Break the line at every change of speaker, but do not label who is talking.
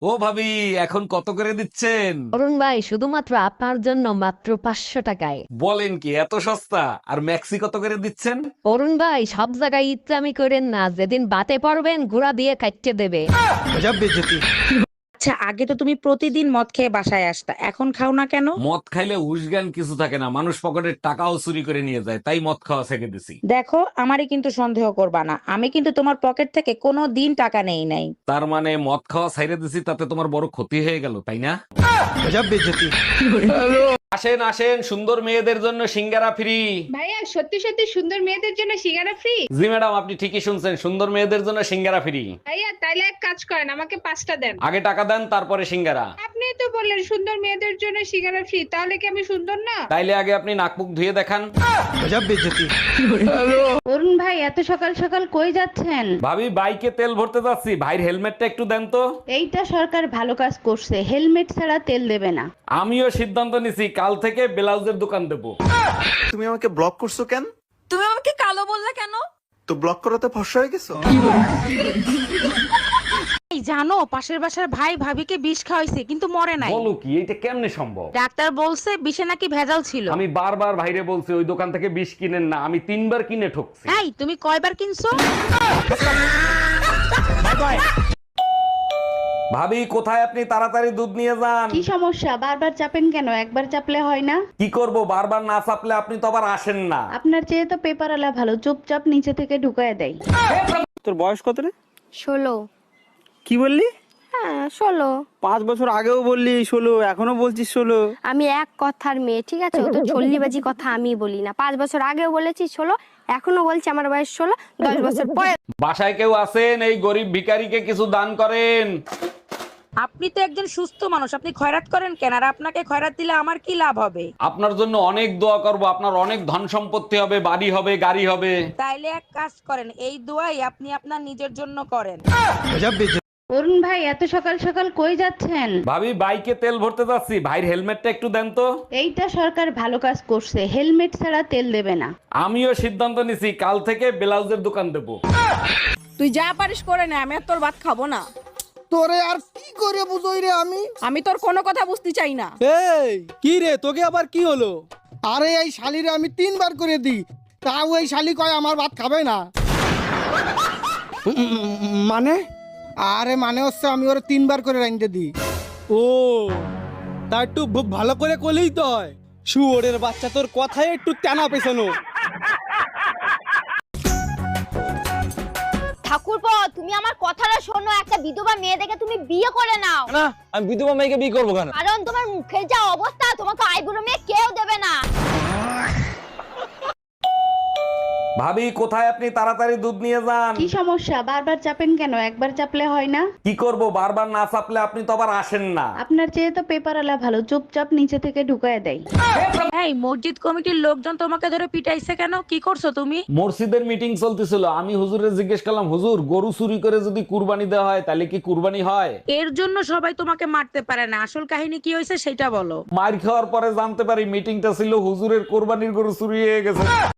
ও ভাবি, এখন কত করে দিচ্ছেন?
অরুণ ভাই শুধুমাত্র আপনার জন্য মাত্র 500 টাকায়।
বলেন কি, এত সস্তা? আর ম্যাক্সি কত করে দিচ্ছেন?
অরুণ ভাই সব জায়গায় ইচ্ছামি করেন না, যেদিন বাতে পারবেন ঘোড়া দিয়ে কাটতে দেবে।
আচ্ছা, আগে তো তুমি প্রতিদিন মদ খেয়ে বাসায় আসতা, এখন খাও না কেন?
মদ খাইলে উসগান কিছু থাকে না, মানুষ পকেটের টাকাও চুরি করে নিয়ে যায়, তাই মদ খাওয়া ছেড়ে দিছি।
দেখো, আমারই কিন্তু সন্দেহ করবা না, আমি কিন্তু তোমার পকেট থেকে কোনো দিন টাকা নেই নাই।
তার মানে মদ খাওয়া ছেড়ে দিছি, তাতে তোমার বড় ক্ষতি হয়ে গেল, তাই না? আসেন আসেন, সুন্দর মেয়েদের জন্য সিঙ্গারা ফ্রি।
ভাইয়া সত্যি সত্যি সুন্দর মেয়েদের জন্য সিঙ্গারা ফ্রি?
জি ম্যাডাম, আপনি ঠিকই শুনছেন, সুন্দর মেয়েদের জন্য সিঙ্গারা ফ্রি।
ভাইয়া তাইলে এক কাজ করেন, আমাকে 5টা দেন।
আগে টাকা দেন, তারপরে সিঙ্গারা।
আপনি তো বললেন সুন্দর মেয়েদের জন্য সিঙ্গারা ফ্রি, তাহলে কি আমি সুন্দর না?
তাইলে আগে আপনি নাক মুখ ধুয়ে দেখান।
অরুণ ভাই এত সকাল সকাল কই যাচ্ছেন?
ভাবি, বাইকে তেল ভরতে যাচ্ছি, ভাইয়ের হেলমেটটা একটু দেন তো।
এইটা সরকার ভালো কাজ করছে, হেলমেট ছাড়া তেল দেবে না।
আমিও সিদ্ধান্ত নিছি, কাল থেকে ব্লাউজের দোকান দেবো।
তুমি আমাকে ব্লক করছো কেন?
তুমি আমাকে কালো বললে কেন?
তো ব্লক করাতে ফর্সা হয়ে গেছো?
এই জানো, পাশের বাসার ভাই ভাবিকে বিষ খাওয়াইছে কিন্তু মরে নাই।
বলো কি, এটা কেমনে সম্ভব?
ডাক্তার বলছে বিষে নাকি ভেজাল ছিল।
আমি বারবার ভাইরে বলছি ওই দোকান থেকে বিষ কিনেন না, আমি 3বার কিনে ঠকছি।
এই তুমি কয়বার কিনছো?
ভাবি, কোথায় আপনি? তাড়াতাড়ি দুধ নিয়ে যান।
কি সমস্যা, বারবার চাপেন কেন? একবার চাপলে হয় না?
কি করব, বারবার না চাপলে আপনি তো আবার আসেন না।
আপনার চেয়ে তো পেপার আলা ভালো, চুপচাপ নিচে থেকে ঢুকায় দেয়।
তোর বয়স কত রে?
16।
কি বললি?
হ্যাঁ 16।
5 বছর আগেও বললি 16, এখনো বলছিস 16।
আমি এক কথার মেয়ে, ঠিক আছে? ও তো চল্লিবাজি কথা আমি বলি না। 5 বছর আগেও বলেছি 16, এখনো বলছি আমার বয়স 16। 10 বছর পরে
বাসায় কেউ আছেন? এই গরিব ভিখারিকে কিছু দান করেন।
আপনি তো একজন সুস্থ মানুষ, আপনি খয়রাত করেন কেন? আর আপনাকে খয়রাত দিলে আমার কি লাভ হবে?
আপনার জন্য অনেক দোয়া করব, আপনার অনেক ধন সম্পত্তি হবে, বাড়ি হবে, গাড়ি হবে।
তাইলে এক কাজ করেন, এই দোয়াই আপনি আপনার নিজের জন্য করেন।
অরুণ ভাই এত সকাল সকাল কই যাচ্ছেন?
ভাবি, বাইকে তেল ভরতে যাচ্ছি, ভাইয়ের হেলমেটটা একটু দেন তো।
এইটা সরকার ভালো কাজ করছে, হেলমেট ছাড়া তেল দেবে না।
আমিও সিদ্ধান্ত নিছি, কাল থেকে ব্লাউজের দোকান দেবো।
তুই যা পারিস করে নে, আমি আর তোর ভাত খাবো না।
তোরে আর কি করে বুঝই রে আমি?
আমি তোর কোনো কথা বুঝতে চাই না।
এই কি রে, তোকে আবার কি হলো? আরে এই শালিরে আমি 3বার করে দিই, তাও এই শালি কয় আমার ভাত খাবে না। মানে? আরে মানে হচ্ছে আমি ওরে 3বার করে রাইন্দে দিই। ও তা একটু ভালো করে কলেই তো হয়। শুয়োরের বাচ্চা, তোর কথায় একটু টানা পেছানো।
ঠাকুরপো, তুমি আমার কথাটা শোনো। একটা বিধবা মেয়ে দেখে তুমি বিয়ে করে নাও।
না, আমি বিধবা মেয়েকে বিয়ে করবো কেন?
কারণ তোমার মুখের যা অবস্থা, তোমাকে আইবুড়ো মেয়ে কেউ দেবে না।
ভাবি, কোথায় আপনি? তাড়াতাড়ি দুধ নিয়ে যান।
কি সমস্যা, বারবার চাপেন কেন? একবার চাপলে হয় না?
কি করব, বারবার না চাপলে আপনি তো আবার আসেন না।
আপনার চেয়ে তো পেপার আলা ভালো, চুপচাপ নিচে থেকে ঢুকায় দেয়।
এই মসজিদ কমিটির লোকজন তোমাকে ধরে পিটাইছে কেন? কি করছো তুমি?
মসজিদের মিটিং চলতেছিল, আমি হুজুরে জিজ্ঞেস করলাম, হুজুর গরু চুরি করে যদি কুরবানি দেওয়া হয় তাহলে কি কুরবানি হয়?
এর জন্য সবাই তোমাকে মারতে পারে না, আসল কাহিনী কি হয়েছে সেটা বলো।
মার খাওয়ার পরে জানতে পারি মিটিংটা ছিল হুজুরের কোরবানির গরু চুরি হয়ে গেছে।